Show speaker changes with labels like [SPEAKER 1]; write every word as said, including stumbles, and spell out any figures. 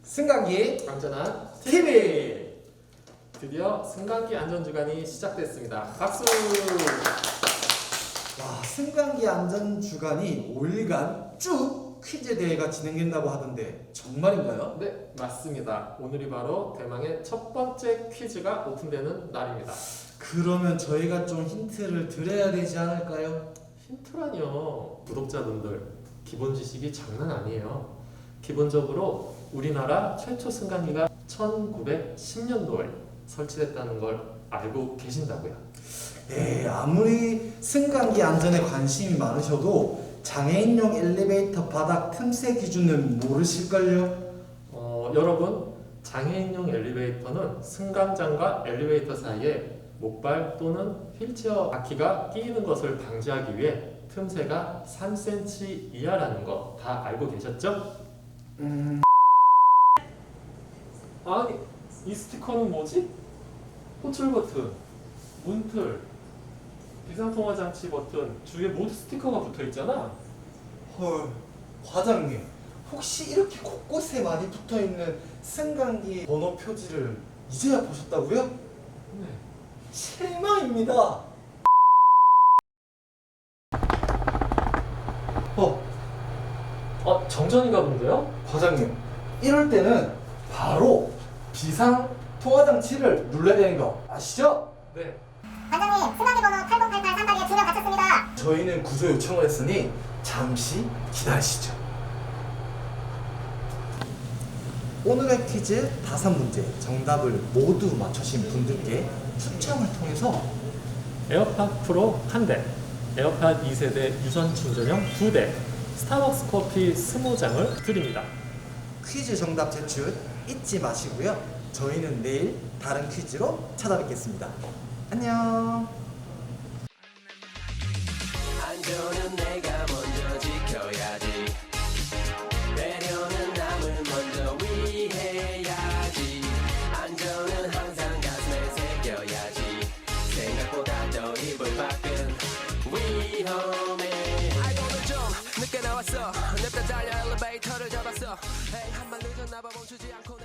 [SPEAKER 1] 승강기
[SPEAKER 2] 안전한
[SPEAKER 1] 티비.
[SPEAKER 2] 드디어 승강기 안전주간이 시작됐습니다. 박수!
[SPEAKER 1] 와, 승강기 안전 주간이 오 일간 쭉 퀴즈 대회가 진행된다고 하던데 정말인가요?
[SPEAKER 2] 네, 맞습니다. 오늘이 바로 대망의 첫 번째 퀴즈가 오픈되는 날입니다.
[SPEAKER 1] 그러면 저희가 좀 힌트를 드려야 되지 않을까요?
[SPEAKER 2] 힌트라뇨. 구독자분들, 기본 지식이 장난 아니에요. 기본적으로 우리나라 최초 승강기가 천구백십 년도에 설치됐다는 걸 알고 계신다고요.
[SPEAKER 1] 네, 아무리 승강기 안전에 관심이 많으셔도 장애인용 엘리베이터 바닥 틈새 기준은 모르실걸요?
[SPEAKER 2] 어, 여러분, 장애인용 엘리베이터는 승강장과 엘리베이터 사이에 목발 또는 휠체어 바퀴가 끼이는 것을 방지하기 위해 틈새가 삼 센티미터 이하라는 거 다 알고 계셨죠?
[SPEAKER 1] 음...
[SPEAKER 2] 아니, 이 스티커는 뭐지? 호출 버튼, 문틀, 비상통화 장치 버튼 주위에 모두 스티커가 붙어 있잖아.
[SPEAKER 1] 헐, 과장님, 혹시 이렇게 곳곳에 많이 붙어있는 승강기 번호 표지를 이제야 보셨다고요?
[SPEAKER 2] 네.
[SPEAKER 1] 실망입니다. 어,
[SPEAKER 2] 어, 정전인가 본데요?
[SPEAKER 1] 과장님, 이럴 때는 바로 비상 통화 장치를 눌러야 되는 거 아시죠?
[SPEAKER 2] 네.
[SPEAKER 3] 관장님, 승강기 번호 팔공팔팔 삼팔이에 두 명 갇혔습니다.
[SPEAKER 1] 저희는 구조 요청을 했으니 잠시 기다리시죠. 오늘의 퀴즈 다섯 문제 정답을 모두 맞추신 분들께 추첨을 통해서
[SPEAKER 2] 에어팟 프로 한 대, 에어팟 이 세대 유선 충전형 두 대, 스타벅스 커피 이십 장을 드립니다.
[SPEAKER 1] 퀴즈 정답 제출 잊지 마시고요. 저희는 내일 다른 퀴즈로 찾아뵙겠습니다. 안녕.
[SPEAKER 4] 안전은 내가 먼저 지켜야지. 배려는 남을 먼저 위해야지. 안전은 항상 가슴에 새겨야지. 생각보다 더 입을 밖은 위험해. 아이 오늘 좀 늦게 나왔어. 냅다 달려 엘리베이터를 잡았어. 에이 한발 늦었나봐 멈추지 않고